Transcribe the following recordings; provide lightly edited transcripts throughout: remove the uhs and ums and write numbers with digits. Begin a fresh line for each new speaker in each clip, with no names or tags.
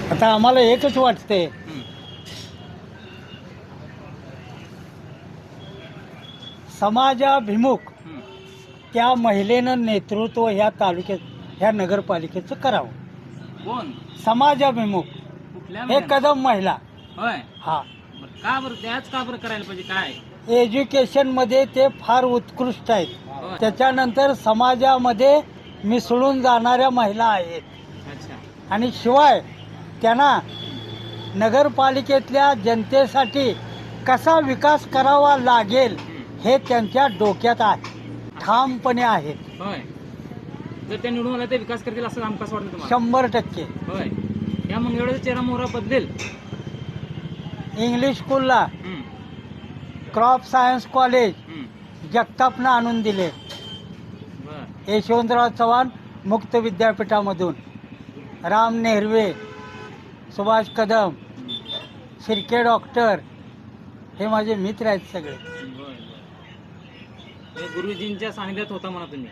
आता आम्हाला एकच वाटते,
हं.
समाजाभिमुख
हं.
त्या महिलेनं नेतृत्व ह्या तालुक्यात ह्या नगरपालिकेचं करावं.
कोण?
समाजाभिमुख
कुठल्या
हे
महिन्यात?
कदम महिला.
होय.
हा,
बरं, का बरं त्याच का बरं करायला पाहिजे काय?
एज्युकेशनमध्ये ते फार उत्कृष्ट आहेत.
होय.
त्याच्यानंतर समाजामध्ये मिसळून जाणाऱ्या महिला आहेत.
अच्छा.
आणि शिवाय त्यांना
हं.
नगरपालिकेतल्या जनतेसाठी कसा विकास करावा लागेल
हं.
हे त्यांच्या डोक्यात आहे, ठामपणे आहेत.
होय. जर ते निवडून आले ते विकास करतील असं कसं वाटतं तुम्हाला?
100%.
होय. या मंगळवेळेचा चेहरा मोहरा बदलेल.
इंग्लिश स्कूलला
हं.
क्रॉप सायन्स कॉलेज
हं.
जगतापनं आणून दिले.
बरं.
यशवंतराव चव्हाण मुक्त विद्यापीठामधून, राम नेहरवे, सुभाष कदम,
हं.
शिर्के डॉक्टर हे माझे मित्र आहेत सगळे.
बरं, बरं. हे गुरुजींच्या सानिध्यात होता म्हणा तुम्ही.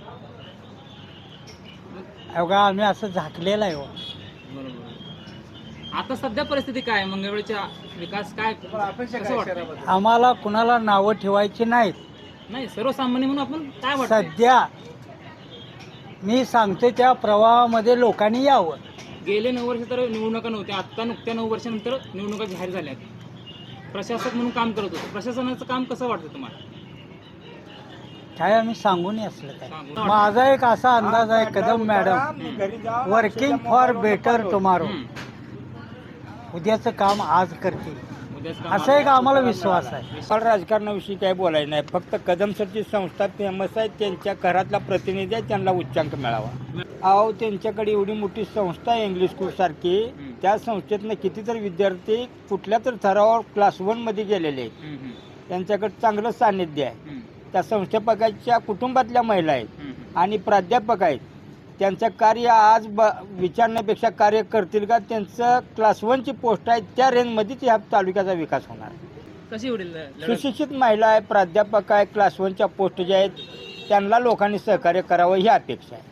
अवघा आम्ही असं झाकलेलं आहे हो.
बरोबर. आता सध्या परिस्थिती काय आहे? मंगळवेळच्या विकास काय कसं वाटतं?
आम्हाला कुणाला नावं ठेवायची नाहीत.
नाही, सर्वसामान्य म्हणून आपण काय वाटतं?
सध्या मी सांगतो त्या प्रवाहामध्ये लोकांनी यावं.
गेले 9 वर्ष तर निवडणुका नव्हत्या. आता नुकत्या 9 वर्षानंतर निवडणुका जाहीर झाल्या. प्रशासक म्हणून काम करत होतो. प्रशासनाचं काम कसं वाटतं तुम्हाला?
काय आम्ही सांगून असलं काय.
सांगू.
माझा एक असा अंदाज आहे, Kadam madam working for better tomorrow,
हं.
उद्याचं काम आज करतील
उद्याच काम
असा एक आम्हाला विश्वास आहे.
मला राजकारणाविषयी काय बोलायचं नाही. फक्त कदम सरची संस्था फेमस आहे, त्यांच्या घरातला प्रतिनिधी आहे, त्यांना उच्चांक मिळावा. अहो, त्यांच्याकडे एवढी मोठी संस्था आहे इंग्लिश स्कूल सारखी, त्या संस्थेतनं कितीतरी विद्यार्थी कुठल्या तर थरावर क्लास 1 मध्ये गेलेले आहेत.
हं. हं.
त्यांच्याकडे चांगलं सान्निध्य आहे.
हं.
त्या संस्थापकाच्या कुटुंबातल्या महिला आहेत
हं.
आणि प्राध्यापक आहेत. त्यांचं कार्य आज विचारण्यापेक्षा कार्य करतील का, त्यांचं क्लास 1 ची पोस्ट आहे, त्या रेंजमध्येच ह्या तालुक्याचा विकास होणार.
कशी होईल लढत?
सुशिक्षित महिला आहे, प्राध्यापक आहे, क्लास 1 च्या पोस्ट ज्या आहेत त्यांना लोकांनी सहकार्य करावं ही अपेक्षा आहे.